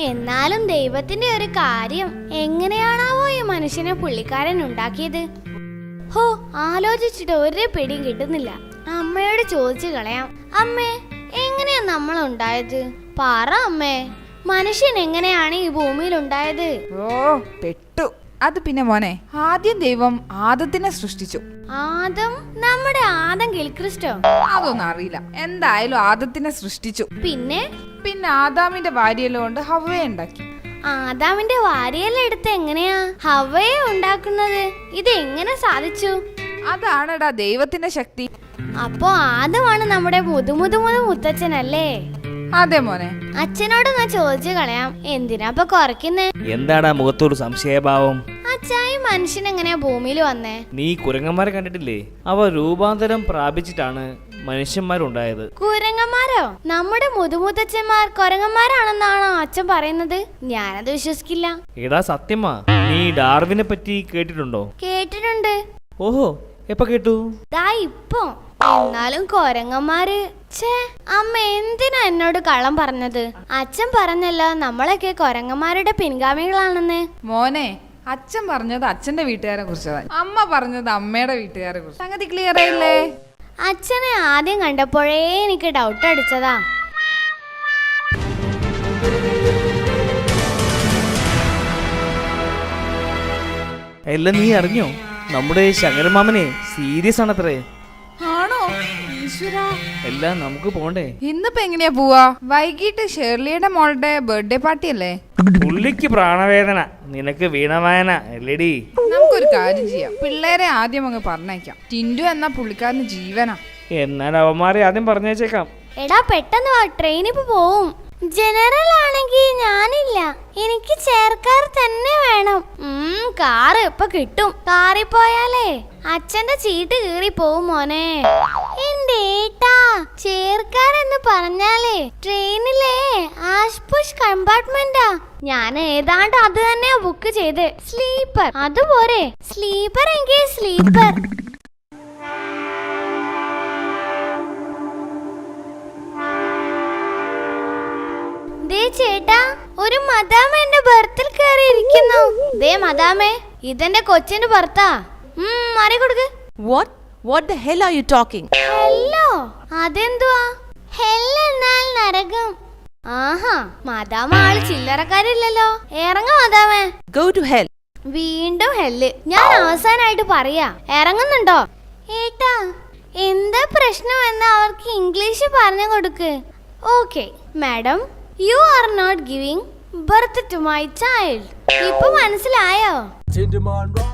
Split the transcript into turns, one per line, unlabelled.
എന്നാലും ദൈവത്തിന്റെ ഒരു കാര്യം, എങ്ങനെയാണാവോ ഈ മനുഷ്യനെ പുള്ളിക്കാരൻ ഉണ്ടാക്കിയത്? ഹോ, ആലോചിച്ചിട്ട് ഒരു പിടിയും കിട്ടുന്നില്ല. അമ്മയോട് ചോദിച്ചു കളയാം. അമ്മേ, എങ്ങനെയാ നമ്മൾ ഉണ്ടായത്? പറ അമ്മേ, മനുഷ്യൻ എങ്ങനെയാണ് ഈ ഭൂമിയിൽ ഉണ്ടായത്?
ഓ, പെട്ടു. അത് പിന്നെ മോനെ, ആദ്യം ദൈവം ആദത്തിനെ സൃഷ്ടിച്ചു.
ആദം? നമ്മുടെ ആദം ഗിൽക്രിസ്റ്റോ?
അതൊന്നും അറിയില്ല. എന്തായാലും ആദത്തിനെ സൃഷ്ടിച്ചു.
പിന്നെ
ആദാമിന്റെ ഭാര്യയെല്ലാം കൊണ്ട് ഹവ്വയെ ഉണ്ടാക്കി.
ആദാമിന്റെ വാരിയെല്ലാം എടുത്ത് എങ്ങനെയാ ഹവ്വയെ ഉണ്ടാക്കുന്നത്? ഇത് എങ്ങനെ സാധിച്ചു?
അതാണെടാ ദൈവത്തിന്റെ ശക്തി.
അപ്പോ ആദമാണ് നമ്മുടെ മുത്തച്ഛനല്ലേ?
അതെ മോനെ.
അച്ഛനോട് ഞാൻ ചോദിച്ചു കളയാം, എന്തിനാ ഇപ്പൊ കുറയ്ക്കുന്നേ?
എന്താടാ മുഖത്തൊരു സംശയഭാവം?
അച്ഛായി മനുഷ്യൻ എങ്ങനെയാ ഭൂമിയിൽ വന്നേ?
നീ കുരങ്ങന്മാരെ കണ്ടിട്ടില്ലേ? അവ രൂപാന്തരം പ്രാപിച്ചിട്ടാണ് മനുഷ്യന്മാരുണ്ടായത്.
കുരങ്ങന്മാരോ? നമ്മുടെ മുത്തച്ഛന്മാർ കുരങ്ങന്മാരാണെന്നാണോ അച്ഛൻ പറയുന്നത്? ഞാനത് വിശ്വസിക്കില്ല.
എടാ സത്യമാ, നീ ഡാർവിനെ പറ്റി കേട്ടിട്ടുണ്ടോ?
കേട്ടിട്ടുണ്ട്.
ഓഹോ, എപ്പ കേട്ടു?
ദാ ഇപ്പൊ. എന്നാലും കൊരങ്ങന്മാര്, അമ്മ എന്തിനാ എന്നോട് കള്ളം പറഞ്ഞത്? അച്ഛൻ പറഞ്ഞല്ലോ നമ്മളൊക്കെ കൊരങ്ങന്മാരുടെ പിൻഗാമികളാണെന്ന്.
മോനെ, അച്ഛൻ പറഞ്ഞത് അച്ഛന്റെ വീട്ടുകാരെ കുറിച്ചതാണ്, അമ്മ പറഞ്ഞത് അമ്മയുടെ വീട്ടുകാരെ കുറിച്ച്. സംഗതി ക്ലിയർ ആയില്ലേ?
അച്ഛനെ ആദ്യം കണ്ടപ്പോഴേ എനിക്ക് ഡൗട്ട് അടിച്ചതാ.
എല്ലാം നീ അറിഞ്ഞോ? നമ്മുടെ ശങ്കരമാമനെ സീരിയസ് ആണത്രേ.
ആണോ? ഈശ്വരാ.
എല്ലാം നമുക്ക് പോണ്ടേ?
ഇന്നിപ്പോ എങ്ങനെയാ പോവാ? വൈകിട്ട് ഷേർലിയുടെ മോളുടെ ബർത്ത്ഡേ പാർട്ടി അല്ലേ?
പുള്ളിക്ക് പ്രാണവേദന, നിനക്ക് വീണവായന അല്ലേടി?
നമുക്കൊരു കാര്യം ചെയ്യാം, പിള്ളേരെ ആദ്യം അങ്ങ് പറഞ്ഞേക്കാം. ടിൻഡു എന്ന പുള്ളിക്കാരന് ജീവനാ.
എന്നാൽ അവന്മാരെ ആദ്യം പറഞ്ഞേച്ചേക്കാം.
എടാ പെട്ടെന്ന് വാ, ട്രെയിനിപ്പോ പോവും. ജനറൽ ആണെങ്കിൽ ഞാനില്ല, എനിക്ക് ചേർക്കാർ തന്നെ വേണം. കാറ് ഇപ്പൊ കിട്ടും. കാറിൽ പോയാലേ അച്ഛന്റെ ചീട്ട് കീറി പോവും മോനെ. എന്റെ ഏട്ടാ, ചേർക്കാരെന്ന് പറഞ്ഞാലേ ട്രെയിനിലെ ആഷ്പുഷ് കമ്പാർട്ട്മെന്റാ. ഞാൻ ഏതാണ്ട് അത് തന്നെയാ ബുക്ക് ചെയ്ത്. സ്ലീപ്പർ അതുപോരെ? സ്ലീപ്പർ എങ്കിൽ സ്ലീപ്പർ. ചേട്ടാ, ഒരു മദാമ എന്റെ ബർത്തിൽ കയറിയിരിക്കുന്നു. ദേ മദാമേ, ഇതെന്റെ കൊച്ചിന്റെ ബർത്താ. മാറി കൊടുക്ക്.
What the hell are you talking?
Hello? അതെന്തുവാ? ഹെൽ എന്നാൽ നരകം. ആഹാ, മദാമ ആള് ചില്ലറക്കാരില്ലല്ലോ. ഇറങ്ങ മദാമേ.
Go to hell.
വീണ്ടും ഹെല്ല്. ഞാൻ അവസാനായിട്ട് പറയാ, ഇറങ്ങുന്നുണ്ടോ? ഏട്ടാ, എന്താ പ്രശ്നമെന്ന് അവർക്ക് ഇംഗ്ലീഷ് പറഞ്ഞു കൊടുക്ക്. Okay madam, you are not giving birth to my child. ഇപ്പൊ മനസ്സിലായോ?